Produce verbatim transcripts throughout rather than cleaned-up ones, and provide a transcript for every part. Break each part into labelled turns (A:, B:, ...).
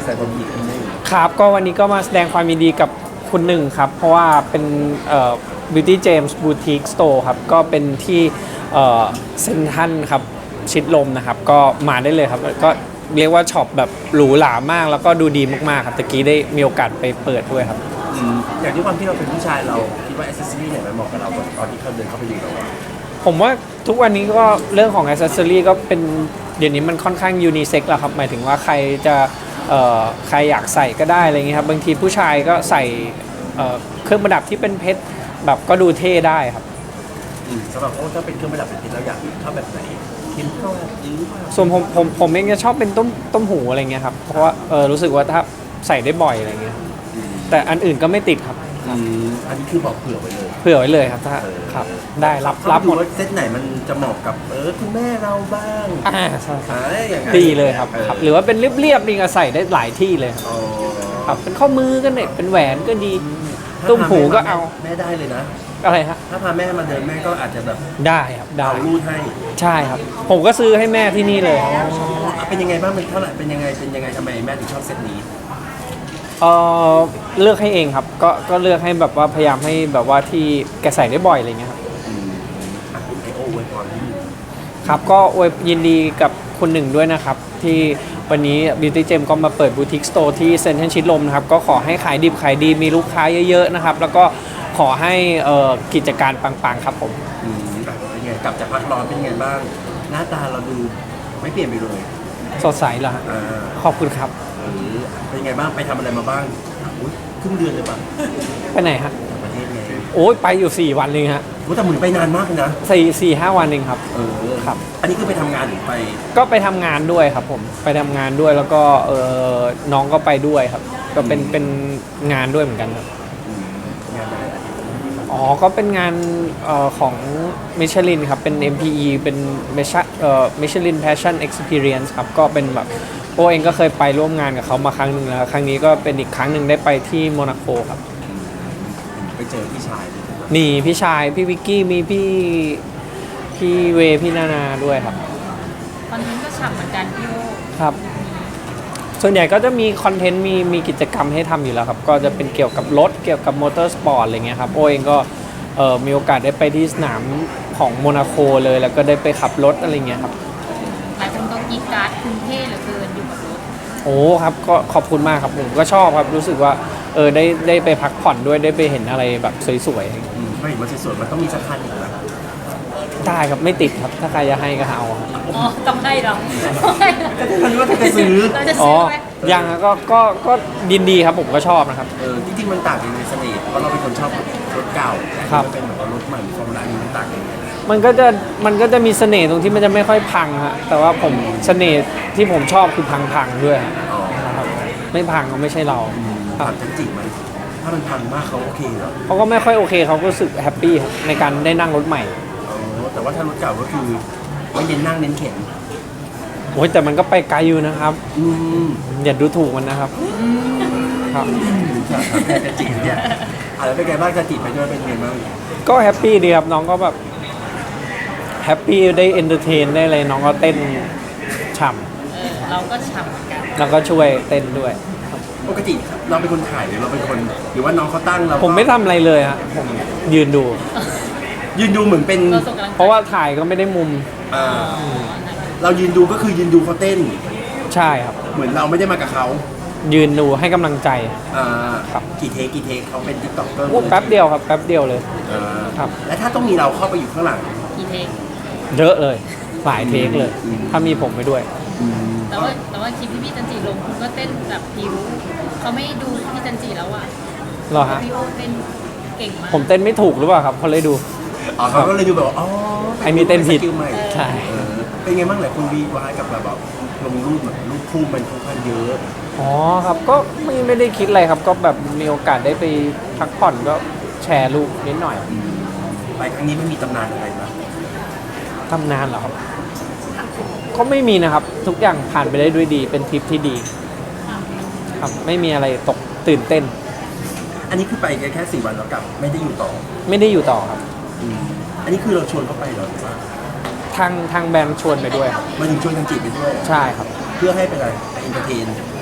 A: แสดงความยินดีกับหนึ่ง
B: ครับก็วันนี้ก็มาแสดงความยินดีกับคุณหนึ่งครับเพราะว่าเป็นเอ่อ Beauty James Boutique Store ครับก็เป็นที่เอ่อเซ็นทรัลครับชิดลมนะครับก็มาได้เลยครับก็เรียกว่าช็อปแบบหรูหรามากแล้วก็ดูดีมากๆครับตะกี้ได้มีโอกาสไปเปิดด้วยครับ
A: อย่างที่ความที่เราเป็นผู้ชายเราคิดว่า accessory ไหนมันเหมาะกับเราตอนที่เขาเดินเข้าไปดูเรา
B: ผมว่าทุกวันนี้ก็เรื่องของ accessory ก็เป็นเดี๋ยวนี้มันค่อนข้างยูนิเซ็กแล้วครับหมายถึงว่าใครจะเอ่อใครอยากใส่ก็ได้อะไรเงี้ยครับบางทีผู้ชายก็ใส่เอ่อเครื่องประดับที่เป็นเพชรแบบก็ดูเท่ได้ครับ
A: สำหรับโอ้ถ้าเป็นเครื่องประดับเป็นเพชรเราอยากชอบแบบไหนคิมเข้าหรือ
B: ส่วนผมผมผมเองจะชอบเป็นต้มต้มหูอะไรเงี้ยครับเพราะว่าเออรู้สึกว่าถ้าใส่ได้บ่อยอะไรเงี้ยแต่อันอื่นก็ไม่ติดครับ
A: อันนี้คือบอกเผื่อไว้เลย
B: เผื่อไว้เลยครับถ้าครับได้รับรับหมด
A: เซตไหนมันจะเหมาะกับเออคุณแม่เราบ้าง
B: อ่าใช่ดีเลยครับครับหรือว่าเป็นเรียบๆนี่ก็ใส่ได้หลายที่เลยครับเป็นข้อมือก็เนี่ยเป็นแหวนก็ดีตุ้มหูก็เอา
A: แม่ได้เลยนะ
B: อะไรฮะ
A: ถ้าพาแม่มาเดินแม่ก็อาจจะแบบ
B: ได้ครับได้
A: รูดให้
B: ใช่ครับผมก็ซื้อให้แม่ที่นี่เลย
A: เป็นยังไงบ้างเป็นเท่าไหร่เป็นยังไงเป็นยังไงทำไมแม่ถึงชอบเซตนี้
B: เออเลือกให้เองครับก็ก็เลือกให้แบบว่าพยายามให้แบบว่าที่แกใส่ได้บ่อยอะไรเงี้ยครับ
A: ไอโอเวอร์ก่อนที่
B: ครับก็อวยยินดีกับคุณหนึ่งด้วยนะครับที่วันนี้ Beauty Gem ก็มาเปิดบูติกสโตร์ที่เซ็นทรัลชิดลมนะครับก็ขอให้ขายดิบขายดีมีลูกค้าเยอะๆนะครับแล้วก็ขอให้กิจการปังๆครับผม
A: เป็นไงกลับจากพักร้อนเป็นไงบ้างหน้าตาเราดูไม่เปลี่ยนไปเลย
B: สดใสเหรอขอบคุณครับ
A: เป็นไงบ้างไปทำอะไรมาบ้างครึ่งเดือนเลยป่ะ
B: ไปไหนฮะ
A: ประเทศไง
B: โอ้ยไปอยู่สี่วันเลยฮะ
A: แต่หมุนไปนานมากเลยนะ
B: สี่สี่ห้าวันเองครับ
A: เออครับอันนี้คือไปทำงานหรือไป
B: ก็ไปทำงานด้วยครับผมไปทำงานด้วยแล้วก็เออน้องก็ไปด้วยครับก็เป็นเป็นงานด้วยเหมือนกันครับ
A: งานอะไร
B: อ๋อก็เป็นงานเอ่อของมิชลินครับเป็น เอ็ม พี อี เป็นมิชเอ่อ Michelin Passion Experience ครับก็เป็นแบบโอเองก็เคยไปร่วมงานกับเขามาครั้งหนึ่งแล้วครั้งนี้ก็เป็นอีกครั้งหนึ่งได้ไปที่โมนาโกครับ
A: ไปเจอพี่ชาย
B: มีพี่ชายพี่วิกกี้มีพี่พี่เวพี่นานาด้วยครับ
C: คอนเทนต์ก็ฉ่ำเหมือนกันพี่โอ
B: ครับส่วนใหญ่ก็จะมีคอนเทนต์มีมีกิจกรรมให้ทำอยู่แล้วครับก็จะเป็นเกี่ยวกับรถเกี่ยวกับมอเตอร์สปอร์ตอะไรเงี้ยครับโอเองก็เอ่อมีโอกาสได้ไปที่สนามของโมนาโคเลยแล้วก็ได้ไปขับรถอะไรเงี้ยครับ
C: หลายคนก็กีดการ์ดคุณเท่เหลือเกินอยู่กับรถ
B: โอ้ครับก็ขอบคุณมากครับผมก็ชอบครับรู้สึกว่าเออได้ได้ไปพักผ่อนด้วยได้ไปเห็นอะไรแบบสวย
A: ๆไม่เห็นว่าสวยๆมันต้องมีสักคันอีกนะ
B: ได้ครับไม่ติดครับถ้าใครจะให้ก็เอา
C: อ๋อต้องให้เรา
A: ก็จะรู้ว่าจะซื้อ
C: เราจะซื้อไหม
B: ยังก็ก็ก็ยินดีครับผมก็ชอบนะครับ
A: เออจริงๆมันต่างกันในเสน่ห์เพราะเราเป็นคนชอบรถเก่าแต่เป็นแบบว่ารถใหม่ฟอร์มูล่านี้มันต่างกันยังไง
B: มันก็จะมันก็จะมีเสน่ห์ตรงที่มันจะไม่ค่อยพังฮะแต่ว่าผมเสน่ห์ที่ผมชอบคือพังๆด้วยครับไม่พังก็ไม่ใช่เรา
A: ครับจริงไหมถ้ามันพังมากเขาโอเคเหรอ
B: เขาก็ไม่ค่อยโอเคเขาก็รู้สึกแฮปปี้ในการได้นั่งรถใหม่
A: แต่ว่าถ้ารถเก่าก็คือไม่เน้นนั่งเน้นเข็น
B: โอ้ยแต่มันก็ไปไกลอยู่นะครับอย่าดูถูกมันนะครับครับ
A: จะจีบเนี่ยอะไรเป็นไงบ้างจะจีบไปด้วยเป็นไงบ้าง
B: ก็แฮปปี้ดีครับน้องก็แบบแฮปปี้ได้เอนเตอร์เทนได้เลยน้องก็เต้นฉ่
C: ำเราก็ฉ่ำเหมือนกัน
B: แล้วก็ช่วยเต้นด้วย
A: ปกติเราเป็นคนถ่ายหรือเราเป็นคนหรือว่าน้องเขาตั้งเรา
B: ผมไม่ทำอะไรเลยฮะผมยืนดู
A: ยืนดูเหมือนเป็น
B: เพราะว่าถ่ายก็ไม่ได้มุม
A: เรายืนดูก็คือยืนดูเขาเต้น
B: ใช่ครับ
A: เหมือนเราไม่ได้มากับเขา
B: ยืนดูให้กำลังใจ
A: ครับกี่เทคกี่เทคเขาเป็นติ๊กต็อกเกอร์
B: แป๊บเดียวครับแป๊บเดียวเลยครับ
A: และถ้าต้องมีเราเข้าไปอยู่ข้างหลัง
C: กี่เทค
B: เยอะเลยหลายเทคเลยถ้ามีผมไปด้วย
C: แต่ว่าแต่ว่าคลิปที่พี่จันจีลงคุณก็เต้นแบบผิวเขาไม่ดูพี่จันจีแล้วอ่ะ
B: หรอฮะ
C: พี่โอเต้นเก่งมาก
B: ผมเต้นไม่ถูกหรือเปล่าครับเขาเลยดู
A: อ๋อเขาก็เลยดูแบบอ๋อ
B: ไอ้มีเต้นผิดใช่
A: เป็นไงบ้างหลายคนวีวายกับแบบลงรูปแบบรูปคู่มันค่อนข้างเยอะ
B: อ๋อครับก็ไม่ไม่ได้คิดอะไรครับก็แบบมีโอกาสได้ไปพักผ่อนก็แชร์รูปนิดหน่อย
A: ไปครั้งนี้ไม่มีตำนานอะไรนะ
B: ตำนานเหรอครับก็ไม่มีนะครับทุกอย่างผ่านไปได้ด้วยดีเป็นทริปที่ดีครับไม่มีอะไรตกตื่นเต้น
A: อันนี้คือไปแค่แค่สี่วันแล้วกลับไม่ได้อยู่ต่อ
B: ไม่ได้อยู่ต่อครับ
A: อันนี้คือเราชวนเขาไปเหรอหรือว่า
B: ทางทางแบรนด์ชวนไปด้วย
A: มาถึงชวนทางจีบไปด้วย
B: ใช่ครับ
A: เพื่อให้ไปอะไรไปอินเตอร์เทน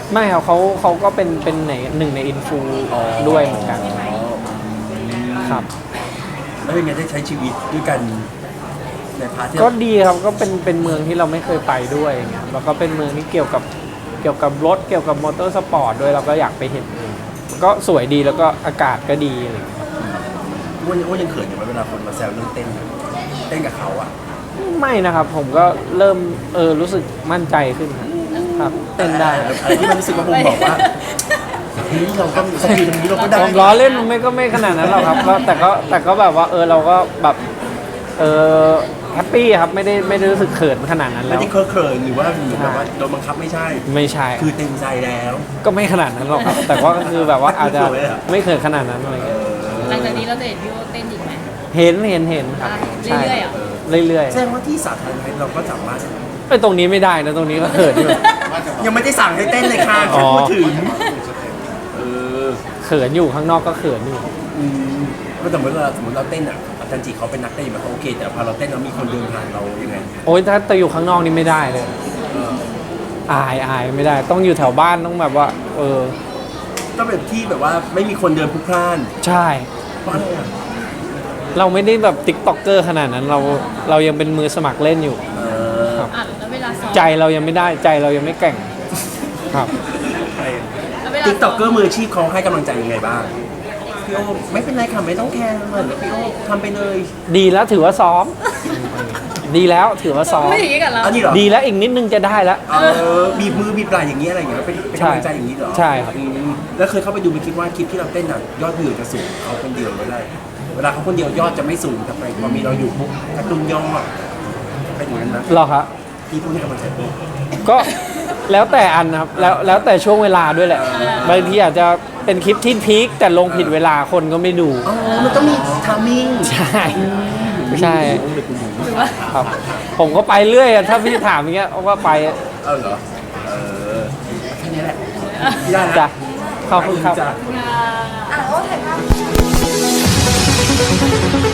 B: ไม่ครับเขาเขาก็เป็นเป็นในหนึ่งในอินฟูด้วยเหมือนกันครับ
A: แล้วเป็นไงได้ใช้ชีวิตด้วยกันในพาร์ทที่
B: ก็ดีครับก็เป็นเป็นเมืองที่เราไม่เคยไปด้วยอย่างเงี้ยแล้วก็เป็นเมืองที่เกี่ยวกับเกี่ยวกับรถเกี่ยวกับมอเตอร์สปอร์ตด้วยเราก็อยากไปเห็นเองก็สวยดีแล้วก็อากาศก็ดีอะไรอย่างเงี้ย
A: อ้วนอ้วนยังเขินอยู่ไหมเวลาคนมาแซวเรื่องเต้นอะเต้นกับเขาอ่ะ
B: ไม่นะครับผมก็เริ่มเออรู้สึกมั่นใจขึ้นครับเต้นได้
A: อะไรที่มันรู้สึกว่าผมบอกว่าเฮ้ยเราก็สกิลตรงนี้เราก็ได้
B: ผมล้อเล่นมันไม่ก็ไม่ขนาดนั้นหรอกครับแล้วแต่ก็แต่ก็แบบว่าเออเราก็แบบเออแฮปปี้ครับไม่ได้ไม่ได้รู้สึกเขินขนาดนั้น
A: ไม่
B: แล้ว
A: ได้เคอะเขินหรือว่าหรือแบบว่าโดนบังคับไม่ใช่
B: ไม่ใช่
A: คือเต็มใจแล้ว
B: ก็ไม่ขนาดนั้นหรอกครับ แต่ว่าก็คือแบบว่าอาจจะ
A: สวยอะ
B: ไม่เขินขนาดนั้นอะไรเงี้ย
C: หลังจากนี้เราจะเห็นพี่โอเต้นอีกไหม
B: เห็นเห็นเห็นครับ
C: เรื่อยๆเหรอ
B: เรื่อย
A: แสดงว่าที่สาธารณะเราก็สามารถ
B: ๆไอ้ยตรงนี้ไม่ได้นะตรงนี้ก็เขินอยู่
A: ยังไม่ได้สั่งให้เต้นเลยค่ะ
B: อ๋
A: แค่
B: อ
A: พูดถึงเออ
B: เขินอยู่ข้างนอกก็เขินอยู่
A: อืมก็สมมติเราสมมติเราเต้นอ่ะอาจารย์จีเขาเป็นนักเต้นแบบเขาโอเค แต่พอเราเต้นแล้วมีคนเดินผ่านเรายังไง
B: โอ้ยถ้าแต่อยู่ข้างนอกนี่ไม่ได้เลย อายอายไม่ได้ ต้องอยู่แถวบ้านต้องแบบว่า เออ
A: ก็แบบที่แบบว่าไม่มีคนเดินพลุกพล่าน
B: ใช่
A: เพราะอะไรอ่ะ
B: เราไม่ได้แบบติ๊กต็อกเกอร์ขนาดนั้นเราเรายังเป็นมือสมัครเล่นอยู่
A: เออ
B: ครับ
C: อ่ะแล้วเวลาซ้อม
B: ใจเรายังไม่ได้ใจเรายังไม่แกร่งครับ
C: แล้วเวลา
A: ติ๊กต็
C: ซ้
A: อ
C: อก ม
A: เกอร์มืออาชีพเขาให้กำลังใจยังไงบ้างพี่โอไม่เป็นไรค่ะไม่ต้องแคร์เหมือนพี่โอทำไปเลย
B: ดีแล้วถือว่าซ้อม ดีแล้วถือว่าซ้อม
C: ไม่อย่างนี้กับเรา
A: อันนี้เหรอ
B: ดีแล้วอีกนิดนึงจะได้แล้ว
A: เออบีบมือบีบไหล่อย่างนี้ยอะไรอย่างเงี้ยเป็นเป็น
B: ใช่
A: กำลังใจอย่างนี้เหรอ
B: ใช่ครับ
A: อืมแล้วเคยเข้าไปดูไปคิดว่าคลิปที่เราเต้นอ่ะยอดวิวจะสูงเขาคนเดียวไม่ได้ เวลาเขาคนเดียวยอดจะไม่สูงแต่ไปพอมีเราอยู่ปุ๊บกระตุ้นยอดเป็นอย่างนั้นนะ
B: หรอครับ
A: ที่พูดให้กำลังใจปุ๊บ
B: ก็แล้วแต่อันนะครับแล้วแล้วแต่ช่วงเวลาด้วยแหละบางทีอาจจะเป็นคลิปที่พีคแต่ลงผิดเวลาคนก็ไม่ดู
A: อ๋อมันต้องมีทามมิ่ง
B: ใช่ใช่ครับผมก็ไปเรื่อยอะถ้าพี่ถามอย่างเงี้ยก็ไป
A: เออเหรอเออแค่นี้แหละพี่ได้นะ
B: จ้ะขอบคุณครับ
A: จ้ะ
C: งาน
D: อ่ะโอ้ถ่ายภาพ